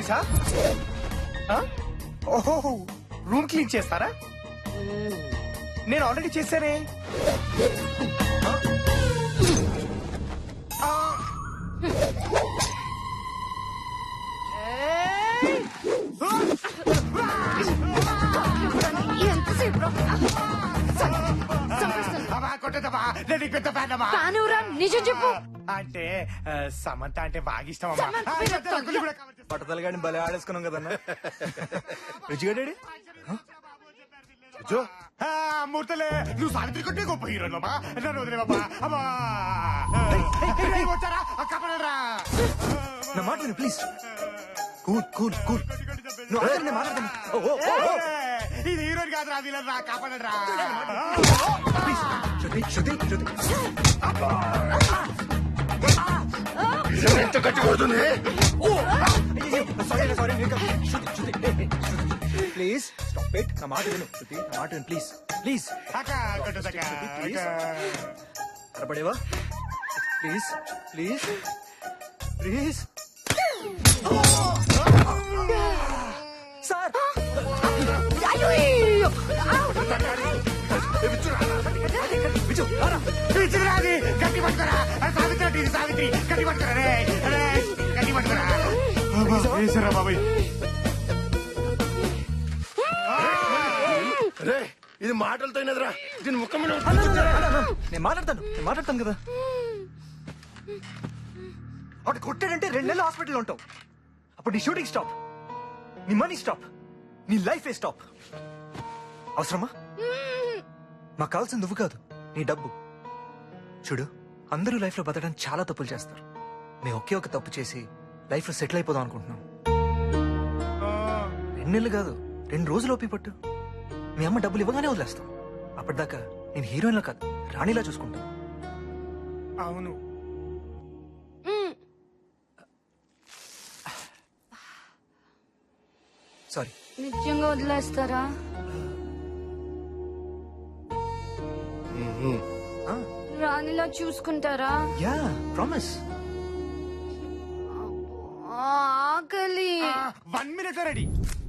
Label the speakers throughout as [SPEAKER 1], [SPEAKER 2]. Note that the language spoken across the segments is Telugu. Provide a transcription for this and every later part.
[SPEAKER 1] ఆఫీసా? ఓహో, రూమ్ క్లీన్ చేస్తారా? నేను ఆల్రెడీ చేశానే.
[SPEAKER 2] నిజం చెప్పు.
[SPEAKER 1] అంటే సమంత అంటే బాగా ఇష్టం.
[SPEAKER 3] పట్టతలగాడిని భలే ఆడేసుకున్నాం కదన్నా. రుచిగడ్డాడి
[SPEAKER 1] మూర్తలే, నువ్వు సావిత్రి కొట్టే గొప్ప హీరో బాబా. నన్ను వదిలే బాబా. అమ్మా వచ్చారా? కాపాడరా.
[SPEAKER 3] నా మాట విను ప్లీజ్. Cool cool cool. నువ్వు ఆగండి, నేను మాట్లాడతాను.
[SPEAKER 1] ఇది హీరోయిన్ కాదురా, విలన్ రా. కాపాడరా.
[SPEAKER 3] శృతి శృతి
[SPEAKER 4] ఎంత గట్టి కొడుతుంది.
[SPEAKER 3] Sorry sorry please stop it. నా మాట విను శృతి, నా మాట విను ప్లీజ్ ప్లీజ్. అరపడేవా ప్లీజ్ ప్లీజ్ ప్లీజ్. సార్
[SPEAKER 1] గట్టి పట్టుకోరా. సావిత్రి సావిత్రి గట్టి పట్టుకోరా. గట్టి పట్టుకోరా బాబాయ్.
[SPEAKER 4] రే ఇది మాటలతో అయినదిరా. దీని ముఖం మీద
[SPEAKER 3] నేను మాట్లాడతాను కదా. అటు కొట్టాడంటే 2 నెలలు హాస్పిటల్ ఉంటావు. అప్పుడు నీ షూటింగ్ స్టాప్, నీ మనీ స్టాప్, నీ లైఫ్ ఏ స్టాప్. అవసరమా? మాకు కావాల్సింది నువ్వు కాదు, నీ డబ్బు. చూడు, అందరూ లైఫ్ లో బతకడానికి చాలా తప్పులు చేస్తారు. మేము ఒకే ఒక తప్పు చేసి లైఫ్ లో సెటిల్ అయిపోదాం అనుకుంటున్నాం. 2 నెలలు కాదు, 2 రోజులు ఓపి పట్టు. మీ అమ్మ డబ్బులు ఇవ్వగానే వదిలేస్తాం. అప్పటిదాకా నేను హీరోయిన్ లా కాదు, రాణిలా చూసుకుంటాను.
[SPEAKER 1] అవును.
[SPEAKER 3] సారీ.
[SPEAKER 2] నిజంగా వదిలేస్తారా? రాణిలా చూసుకుంటారా?
[SPEAKER 3] Yeah promise.
[SPEAKER 2] ఆకలి.
[SPEAKER 1] 1 minute ready.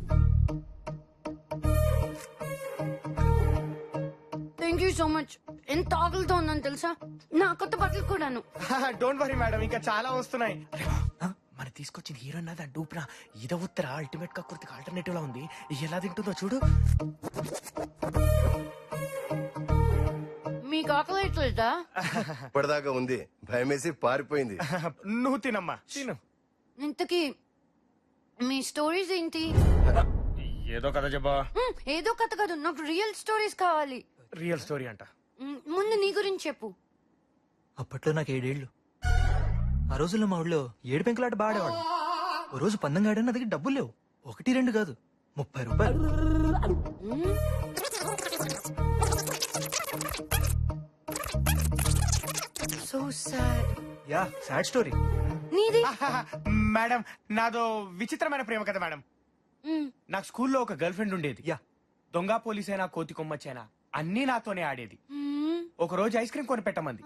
[SPEAKER 2] Thank you so much. ఎంత ఆకలితో ఉన్నాను తెలుసా? నా కొత్త బట్టలు కూడాను.
[SPEAKER 1] డోంట్ వరీ మేడం, ఇంకా చాలా వస్తున్నాయి.
[SPEAKER 5] మన తీసుకొచ్చిన హీరోయిన్ అదా డూప్రా. ఇద ఉత్తర అల్టిమేట్ కక్కుర్తికి ఆల్టర్నేటివ్ లా ఉంది. ఎలా తింటుందో చూడు.
[SPEAKER 2] మీకు ఆకలి అవుతుందా?
[SPEAKER 4] ఇప్పటిదాకా ఉంది, భయమేసి పారిపోయింది.
[SPEAKER 1] నువ్వు తినమ్మా, తిను.
[SPEAKER 2] ఇంతకీ మీ స్టోరీస్ ఏంటి?
[SPEAKER 1] ఏదో కథ చెప్పా.
[SPEAKER 2] ఏదో కథ కాదు, నాకు రియల్ స్టోరీస్ కావాలి.
[SPEAKER 1] రియల్ స్టోరీ అంట.
[SPEAKER 2] ముందు నీ గురించి చెప్పు.
[SPEAKER 3] అప్పట్లో నాకు 7 ఏళ్ళు. ఆ రోజుల్లో మా ఊళ్ళో 7 పెంకులాట బాడేవాడు. ఓ రోజు పందెం గాడని నా దగ్గర డబ్బులు లేవు. 1, 2 కాదు, 30 రూపాయలు.
[SPEAKER 2] So sad.
[SPEAKER 3] Yeah sad story.
[SPEAKER 2] నీది?
[SPEAKER 1] మేడం, నాదో విచిత్రమైన ప్రేమ కథ మేడం. నాకు స్కూల్లో ఒక గర్ల్ ఫ్రెండ్ ఉండేది.
[SPEAKER 3] యా.
[SPEAKER 1] దొంగ పోలీసైనా కోతి కొమ్మచ్చైనా అన్నీ నాతోనే ఆడేది. ఒక రోజు ఐస్ క్రీమ్ కొని పెట్టమంది.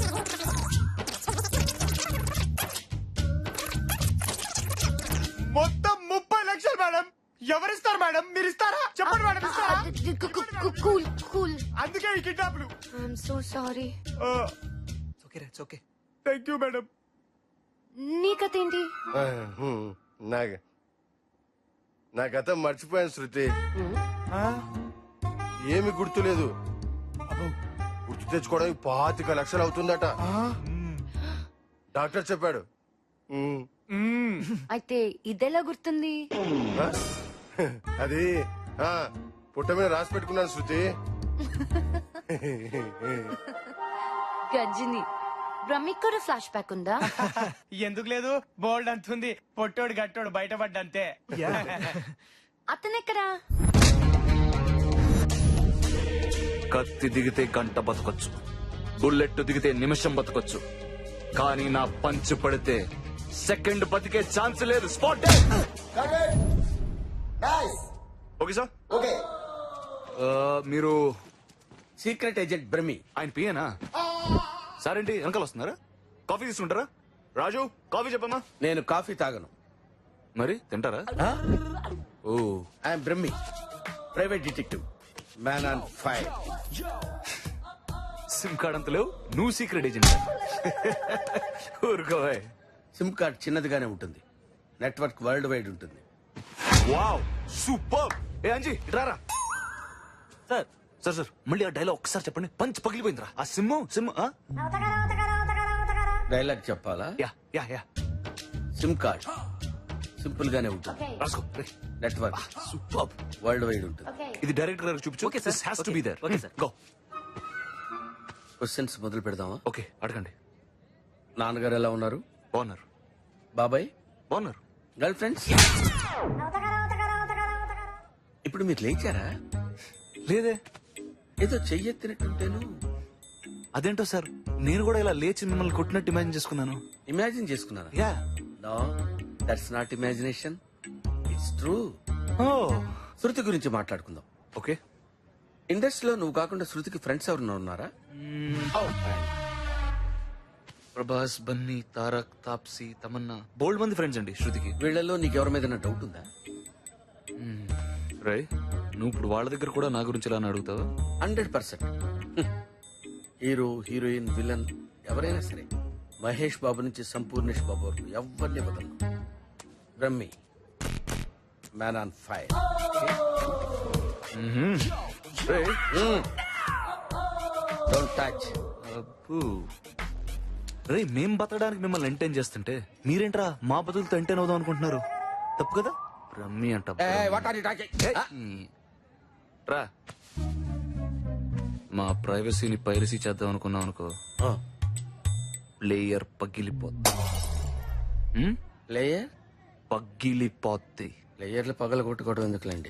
[SPEAKER 1] మొత్తం 30 లక్షలు మేడం. ఎవరిస్తారు మేడం? మీరు ఇస్తారా? చెప్పండి మేడం, ఇస్తారా?
[SPEAKER 2] Cool cool.
[SPEAKER 1] అందుకే ఈ కిడ్నాప్లు.
[SPEAKER 2] I'm so sorry.
[SPEAKER 3] ఓకే రే, ఓకే.
[SPEAKER 1] Thank you madam.
[SPEAKER 2] నీ కథ ఏంటి?
[SPEAKER 4] నా గత మర్చిపోయాను శృతి. ఏమి గుర్తులేదు. గుర్తు తెచ్చుకోవడానికి 25 లక్షలు అవుతుందట. డాక్టర్ చెప్పాడు.
[SPEAKER 2] అయితే ఇదెలా గుర్తుంది?
[SPEAKER 4] అది పుట్ట మీద రాసి పెట్టుకున్నాను శృతి.
[SPEAKER 2] గజ్జిని. బ్రహ్మిక్ కూడా ఫ్లాష్ బ్యాక్ ఉందా?
[SPEAKER 1] ఎందుకు లేదు, బోల్డ్ అంతుంది. పొట్టోడు గట్టోడు బయటపడ్డంతే.
[SPEAKER 2] అతనెక్కడా?
[SPEAKER 6] కత్తి దిగితే గంట బతకొచ్చు, బుల్లెట్ దిగితే నిమిషం బతకొచ్చు, కానీ నా పంచు పడితే సెకండ్ బతికే ఛాన్స్ లేదు. స్పాట్. Okay sir.
[SPEAKER 7] ఓకే.
[SPEAKER 6] మీరు
[SPEAKER 7] సీక్రెట్ ఏజెంట్ బ్రహ్మి.
[SPEAKER 6] ఆయన పియేనా? సార్ ఏంటి వెనకాల వస్తున్నారా? కాఫీ తీసుకుంటారా? రాజు కాఫీ చెప్పమ్మా.
[SPEAKER 7] నేను కాఫీ తాగను.
[SPEAKER 6] మరి తింటారా? Oh
[SPEAKER 7] I'm Brahmi, private detective, man on fire.
[SPEAKER 6] SIM card అంత లేవు, నువ్వు సీక్రెట్ ఏజెంట్. ఊరుకోవే.
[SPEAKER 7] సిమ్ కార్డ్ చిన్నదిగానే ఉంటుంది, నెట్వర్క్ వరల్డ్ వైడ్ ఉంటుంది.
[SPEAKER 6] Wow super. ఏ అంజీ ఇట్రారా.
[SPEAKER 5] సార్
[SPEAKER 6] సార్ సార్ మళ్ళీ ఆ డైలాగ్ ఒకసారి చెప్పండి. పంచ్ పగిలిపోయిందిరా. ఆ సిమ్
[SPEAKER 7] డైలాగ్ చెప్పాలా?
[SPEAKER 6] Yeah yeah yeah
[SPEAKER 7] SIM card simple గానే ఉంటుంది,
[SPEAKER 6] రాసుకో.
[SPEAKER 7] Network
[SPEAKER 6] super.
[SPEAKER 7] వరల్డ్ వైడ్ ఉంటుంది.
[SPEAKER 6] ఇది డైరెక్టర్ గారికి చూపించు.
[SPEAKER 5] Okay, sir.
[SPEAKER 6] This has to
[SPEAKER 5] Okay.
[SPEAKER 6] be there.
[SPEAKER 5] Okay, sir.
[SPEAKER 6] Go.
[SPEAKER 7] Questions మొదలు పెడదామా?
[SPEAKER 6] ఓకే అడగండి.
[SPEAKER 7] నాన్నగారు ఎలా ఉన్నారు?
[SPEAKER 6] బాగున్నారు
[SPEAKER 7] బాబాయ్,
[SPEAKER 6] బాగున్నారు.
[SPEAKER 7] Girlfriends? ఇప్పుడు మీరు లేచారా?
[SPEAKER 6] లేదే.
[SPEAKER 7] ఏదో చెయ్యెత్తినట్టుంటేను.
[SPEAKER 6] అదేంటో సార్, నేను కూడా ఇలా లేచి మిమ్మల్ని కొట్టినట్టు ఇమాజిన్ చేసుకున్నాను.
[SPEAKER 7] ఇమాజిన్ చేసుకున్నారా?
[SPEAKER 6] Yeah.
[SPEAKER 7] No, that's not imagination, it's true.
[SPEAKER 6] Oh
[SPEAKER 7] Shruti గురించి మాట్లాడుకుందాం.
[SPEAKER 6] ఓకే.
[SPEAKER 7] ఇండస్ట్రీలో నువ్వు కాకుండా శృతికి ఫ్రెండ్స్ ఎవరన్నా ఉన్నారా?
[SPEAKER 6] ప్రభాస్, బన్నీ, తారక్, తాప్సీ, తమన్నా, బోల్డ్ మంది ఫ్రెండ్స్ అండి శృతికి.
[SPEAKER 7] వీళ్ళలో నీకెవరి మీద డౌట్ ఉందా?
[SPEAKER 6] రై నువ్వు ఇప్పుడు వాళ్ళ దగ్గర కూడా నా గురించి ఇలా అడుగుతావా?
[SPEAKER 7] 100%. హీరో, హీరోయిన్, విలన్ ఎవరైనా సరే, మహేష్ బాబు నుంచి సంపూర్ణేష్ బాబు వరకు ఎవరిని వదలను. Brahmi, man on fire.
[SPEAKER 6] రేయ్,
[SPEAKER 7] డోంట్ టచ్.
[SPEAKER 6] అబ్బో. రే మేం బతకడానికి మిమ్మల్ని ఎంటైన్ చేస్తుంటే మీరేంట్రా మా బతులతో ఎంటైన్ అవుదాం అనుకుంటున్నారు? తప్పు కదా. రమ్మి అంట. రా, మా ప్రైవసీని పైరసీ చేద్దాం అనుకున్నాం అనుకో, ప్లేయర్ పగిలిపోద్ది.
[SPEAKER 7] ప్లేయర్
[SPEAKER 6] పగిలిపోద్ది.
[SPEAKER 7] ప్లేయర్లు పగల కొట్టుకోవడం ఎందుకులేండి.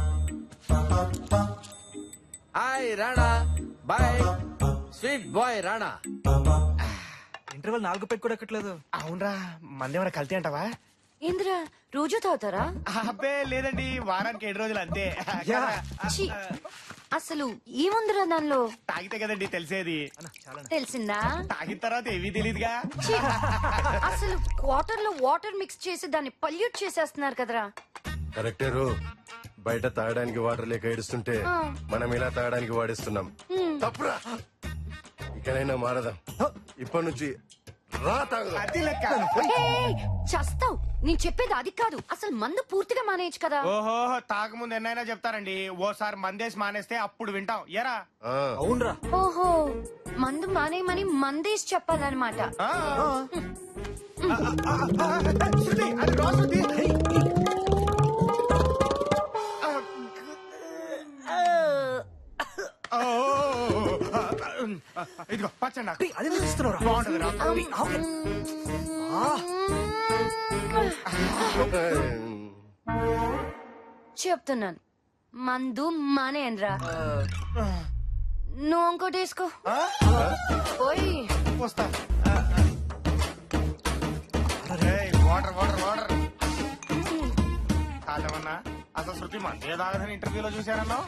[SPEAKER 7] Hi Rana, boy sweet boy Rana.
[SPEAKER 3] Interval 4 పెట్టి కూడా ఎక్కట్లేదు.
[SPEAKER 1] అవునరా, మందేమైనా కల్తీ అంటావా?
[SPEAKER 2] ఏంద్రా రోజు తాగుతారా?
[SPEAKER 1] అబ్బే లేదండి, వారానికి 7 రోజులు అంతే.
[SPEAKER 3] యా.
[SPEAKER 2] ఛీ, అసలు ఏముందిరా దానిలో?
[SPEAKER 1] తాగితే కదండి తెలిసేది.
[SPEAKER 2] తెలిసిందా?
[SPEAKER 1] తాగిన తర్వాత ఏవీ తెలియదుగా.
[SPEAKER 2] ఛీ, అసలు వాటర్ లో వాటర్ మిక్స్ చేసి దాన్ని పల్యూట్ చేసేస్తున్నారు కదరా.
[SPEAKER 4] కరెక్టేరు. బయట తాగడానికి వాటర్ లేక ఏడుస్తుంటే మనం ఇలా తాగడానికి వాడిస్తున్నాం. తప్పురా. ఇకనైనా మారదాం. ఇప్పటి నుంచి రా తాగుదాం.
[SPEAKER 1] అది లెక్క.
[SPEAKER 2] ఏయ్, చస్తావ్. నేను చెప్పేది అది కాదు, అసలు మందు పూర్తిగా మానేయచ్చు కదా.
[SPEAKER 1] ఓహో, తాగముందు ఎన్నైనా చెప్తారండి. ఓసారి మందేసి మానేస్తే అప్పుడు వింటాం. ఎరా
[SPEAKER 4] ఆ,
[SPEAKER 3] అవునరా.
[SPEAKER 2] ఓహో, మందు మానేయమని మందేసి చెప్పాలన్నమాట.
[SPEAKER 1] శృతి, అది రా శృతి. ఓ, ఇదిగో పచ్చండి నాకు.
[SPEAKER 3] అది ఇస్తున్నారా?
[SPEAKER 1] బాగుంటది రా.
[SPEAKER 2] చెప్తున్నాను, మందు మానేయనరా. నువ్వు ఇంకోటి వేసుకో. ఓయ్,
[SPEAKER 1] వస్తా. ఏయ్, వాటర్ వాటర్ వాటర్. కాదమన్నా, అసలు శృతి మందే తాగదని ఇంటర్వ్యూలో చూశారన్నా.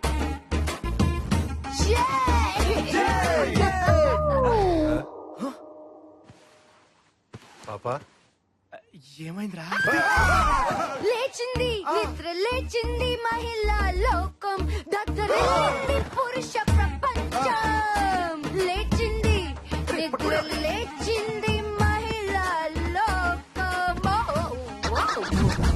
[SPEAKER 4] పాపా
[SPEAKER 1] ఏమైందిరా?
[SPEAKER 2] లేచింది నిద్ర లేచింది మహిళా లోకం, దద్దరిల్లింది పురుష ప్రపంచం. లేచింది నిద్ర లేచింది మహిళా లోకం.